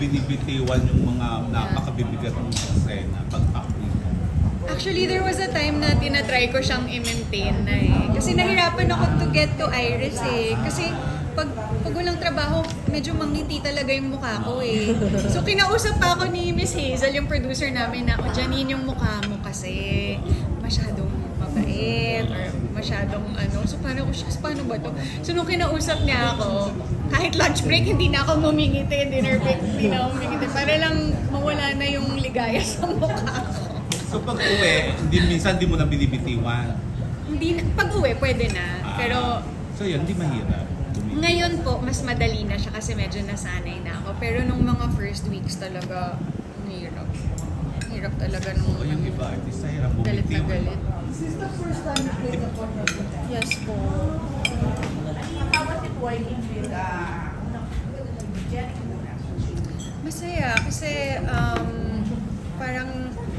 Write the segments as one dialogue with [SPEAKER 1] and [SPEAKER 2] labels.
[SPEAKER 1] Binibitiwan yung mga napakabibigat ng eksena pag-acting.
[SPEAKER 2] Actually, there was a time na tinatry ko siyang i-maintain na eh. Kasi nahirapan ako to get to Iris eh. Kasi pag walang trabaho, medyo mangiti talaga yung mukha ko eh. So kinausap pa ako ni Miss Hazel, yung producer namin, na, o Janine, yung mukha mo kasi masyadong mabait or masyadong ano. So paano ba to? So nung kinausap niya ako, kahit lunch break, hindi na ako ngumingiti, dinner break, hindi na ako ngumingiti. Para lang mawala na yung ligaya sa mukha ko.
[SPEAKER 1] So pag-uwi, minsan di mo na binibitiwan.
[SPEAKER 2] Hindi, pag-uwi, pwede na. Pero
[SPEAKER 1] So yun, di mahirap.
[SPEAKER 2] ngayon po, mas madali na siya kasi medyo nasanay na ako. Pero nung mga first weeks talaga, hirap. Hirap talaga nung
[SPEAKER 1] O yung iba, artista hirap
[SPEAKER 2] galit na
[SPEAKER 1] bumitiwan.
[SPEAKER 2] galit.
[SPEAKER 3] Is this the first time you played a portrait?
[SPEAKER 2] Yes po.
[SPEAKER 4] How was it working with Jenny muna?
[SPEAKER 2] Masaya kasi parang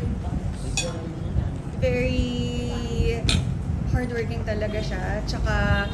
[SPEAKER 2] very hardworking talaga siya. Tsaka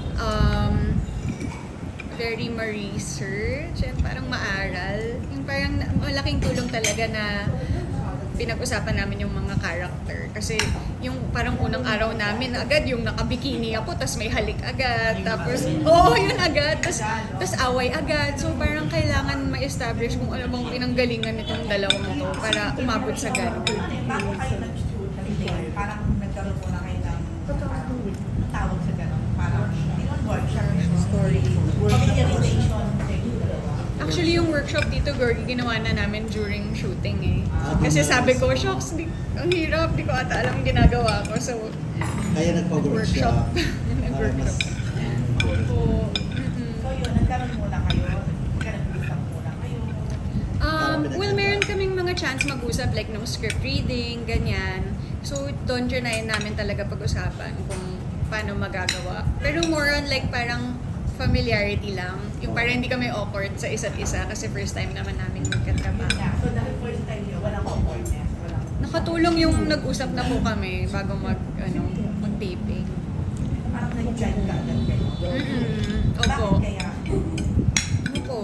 [SPEAKER 2] very ma-research and parang maaral. Yung parang malaking tulong talaga na pinag-usapan namin yung mga character. Kasi yung parang unang araw namin, agad yung nakabikini ako, tas may halik agad. Tapos, yun agad. Tas away agad. So parang kailangan ma-establish kung ano bang pinanggalingan nitong dalawang to para umabot sa ganun.
[SPEAKER 4] Bago kayo nag-shoot, parang nagkaroon muna kayo ng tawag sa gano'n. Parang, hindi naman workshop, story, familiarization.
[SPEAKER 2] Actually, yung workshop dito, Gorgie, ginawa na namin during shooting eh. Kasi sabi ko, shocks, ang hirap, di ko ata alam yung ginagawa ko. So,
[SPEAKER 5] Kaya nagpa-workshop.
[SPEAKER 2] Nag-workshop. Oo.
[SPEAKER 4] So yun, nagkaroon muna kayo, nagkaroon muna kayo.
[SPEAKER 2] Well, meron kaming mga chance mag-usap like ng script reading, ganyan. So, doon trinayin namin talaga pag-usapan kung paano magagawa. Pero more on like parang familiarity lang. Yung parang hindi kami awkward sa isa't isa kasi first time naman namin magkatrabaho.
[SPEAKER 4] Yeah, so dahil first time yun, walang awkwardness, walang...
[SPEAKER 2] Nakatulong yung nag-usap na po kami bago mag-taping.
[SPEAKER 4] Parang nag-jive ka agad kayo.
[SPEAKER 2] Opo.
[SPEAKER 4] Bakit kaya?
[SPEAKER 2] Opo.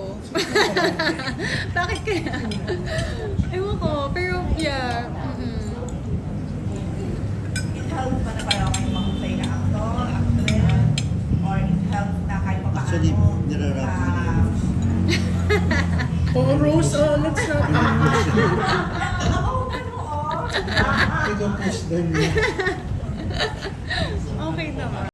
[SPEAKER 2] Bakit kaya? Ewan ko, pero yeah.
[SPEAKER 4] It helps ba na parang kayo mahusay na actor, actress, or it helps na kahit pa
[SPEAKER 5] Actually, nirarap ko na yun.
[SPEAKER 3] Oh, Rose, let's not.
[SPEAKER 5] Ikaw push down niya.
[SPEAKER 2] Okay naman.